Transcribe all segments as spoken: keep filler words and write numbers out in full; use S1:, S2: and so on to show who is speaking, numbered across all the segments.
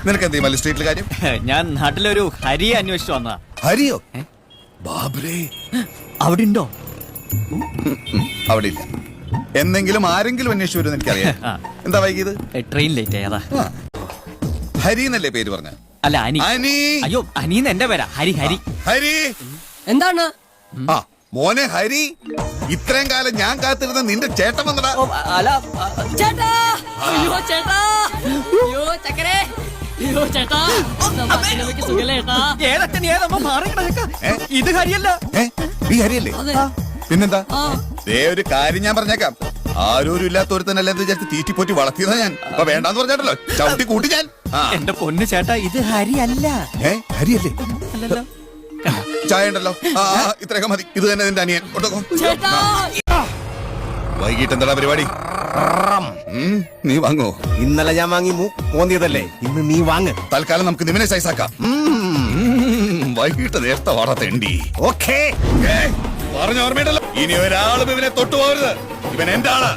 S1: നിനക്ക് എന്ത് മല്ലി സ്ട്രീറ്റിൽ കാര്യം?
S2: ഞാൻ നാട്ടിലൊരു ഹരിയെ അന്വേഷിച്ചു വന്നതാ.
S1: ഹരിയോ? ബാബ്രേ,
S2: അവിടെ ഉണ്ടോ?
S1: അവിടെ ഇല്ല. എന്തെങ്കിലും ആരെങ്കിലും അന്വേഷിച്ചു വരും എനിക്കറിയാം. എന്താ വൈകിയത്?
S2: ട്രെയിൻ ലേറ്റ് ആയതാ.
S1: ഹരി എന്നല്ലേ പേര് പറഞ്ഞ?
S2: അല്ല, അനി.
S1: അനി.
S2: അയ്യോ, അനീന്ന് എന്റെ പേരാ. ഹരി. ഹരി
S1: ഹരി
S3: എന്താണ്?
S1: ആ മോനെ ഹരി, ഇത്രയും കാലം ഞാൻ കാത്തിരുന്ന നിന്റെ ചേട്ടൻ വന്നടാ.
S2: അല്ല,
S3: ചേട്ടാ! അയ്യോ ചേട്ടാ! അയ്യോ ചക്കരേ! അയ്യോ ചേട്ടാ! നമുക്ക് സുഖല്ലേ ചേട്ടാ?
S2: ഏതച്ഛൻ ഏതമ്മ മാറി കിടക്ക. ഇത് ഹരിയല്ല.
S1: ഈ ഹരിയല്ലേ? പിന്നെന്താ? ദേ ഒരു കാര്യം ഞാൻ പറഞ്ഞേക്കാം. ആരോരും ഇല്ലാത്തൊരുത്തനല്ല എന്ന് വിചാരിച്ച് തീറ്റിപ്പോറ്റി വളർത്തിയതാ ഞാൻ. അപ്പൊ വേണ്ടാന്ന് പറഞ്ഞാട്ടല്ലോ ചവിട്ടി കൂട്ടി ഞാൻ.
S2: എന്റെ പൊന്ന് ചേട്ടാ, ഇത് ഹരിയല്ല.
S1: ഏ ഹരിയല്ലേ?
S2: അല്ലല്ലോ.
S1: ചായ ഉണ്ടല്ലോ. ആ ഇത്രയൊക്കെ മതി. ഇത് തന്നെ നിന്റെ അനിയൻ.
S3: ചേട്ടാ!
S1: വൈകിട്ട് എന്താ പരിപാടി? നീ വാങ്ങോ?
S4: ഇന്നലെ ഞാൻ വാങ്ങി പോന്നിയതല്ലേ, ഇന്ന് നീ വാങ്ങ്.
S1: തൽക്കാലം നമുക്ക് നിമിനെ സൈസാക്കാം. വൈകിട്ട് നേരത്തെ വാടത്തേണ്ടി.
S4: ഓക്കേ,
S1: പറഞ്ഞ ഓർമ്മയുണ്ടല്ലോ. ഇനി ഒരാളും ഇവനെ തൊട്ടു പോകരുത്. ഇവൻ എന്റെ ആള്.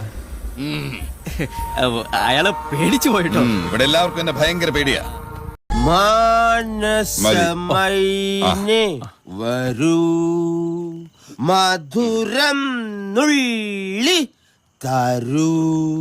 S2: അയാള് പേടിച്ചു പോയിട്ടോ.
S1: ഇവിടെ എല്ലാവർക്കും എന്നെ ഭയങ്കര പേടിയാ.
S4: മാനസമൈനെ വരൂ, മധുരം നുള്ളി തരൂ,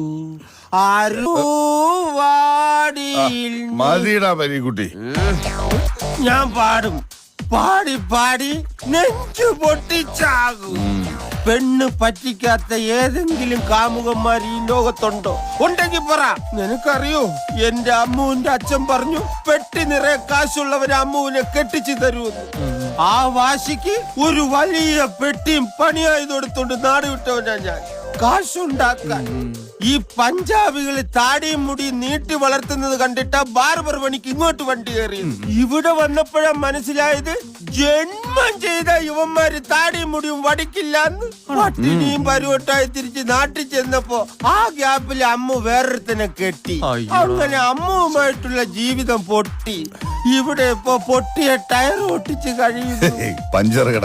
S4: ആരുവാടിയിൽ
S1: മതിടാ പരിക്കുട്ടി.
S4: ഞാൻ പാടും. പാടി പാടി നെഞ്ചു പൊട്ടിച്ചാകും. പെണ്ണ് പറ്റിക്കാത്ത ഏതെങ്കിലും കാമുകന്മാർ ഈ ലോകത്തുണ്ടോ? ഉണ്ടെങ്കിൽ പറ. നിനക്കറിയോ, എന്റെ അമ്മുവിന്റെ അച്ഛൻ പറഞ്ഞു പെട്ടി നിറയെ കാശുള്ളവരെ അമ്മുവിനെ കെട്ടിച്ചു തരുമെന്ന്. ആ വാശിക്ക് ഒരു വലിയ പെട്ടിയും പണിയായി കൊടുത്തോണ്ട് നാട് വിട്ടവനാ ഞാൻ. കാശുണ്ടാക്കാൻ ഈ പഞ്ചാബികള് താടിയും മുടിയും നീട്ടി വളർത്തുന്നത് കണ്ടിട്ടാ ബാർബർ പണിക്ക് ഇങ്ങോട്ട് വണ്ടി കയറി. ഇവിടെ വന്നപ്പോഴാ മനസ്സിലായത് ജന്മം ചെയ്ത യുവന്മാര് താടിയും മുടിയും വടിക്കില്ലാന്ന്. പട്ടിണിയും പരുവട്ടായി തിരിച്ച് നാട്ടിൽ ചെന്നപ്പോ ആ ഗ്യാപ്പിൽ അമ്മു വേറൊരുത്തനെ കെട്ടി. അങ്ങനെ അമ്മുവുമായിട്ടുള്ള ജീവിതം പൊട്ടി. ഇവിടെ ഇപ്പൊ പൊട്ടിയ ടയർ ഒട്ടിച്ച് കഴിയുന്നു.
S1: പഞ്ചറുകട.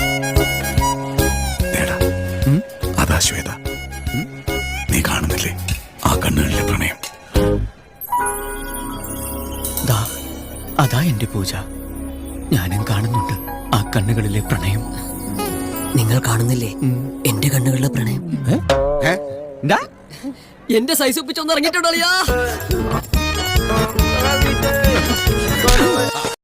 S1: അതാ ശ്വേത, നീ കാണുന്നില്ലേ ആ കണ്ണുകളിലെ പ്രണയം?
S2: അതാ എന്റെ പൂജ. ഞാനും കാണുന്നുണ്ട് ആ കണ്ണുകളിലെ പ്രണയം.
S3: നിങ്ങൾ കാണുന്നില്ലേ എന്റെ കണ്ണുകളിലെ പ്രണയം? എന്റെ സൈസ് ഒപ്പിച്ചൊന്ന് ഇറങ്ങിയിട്ടുണ്ടോ?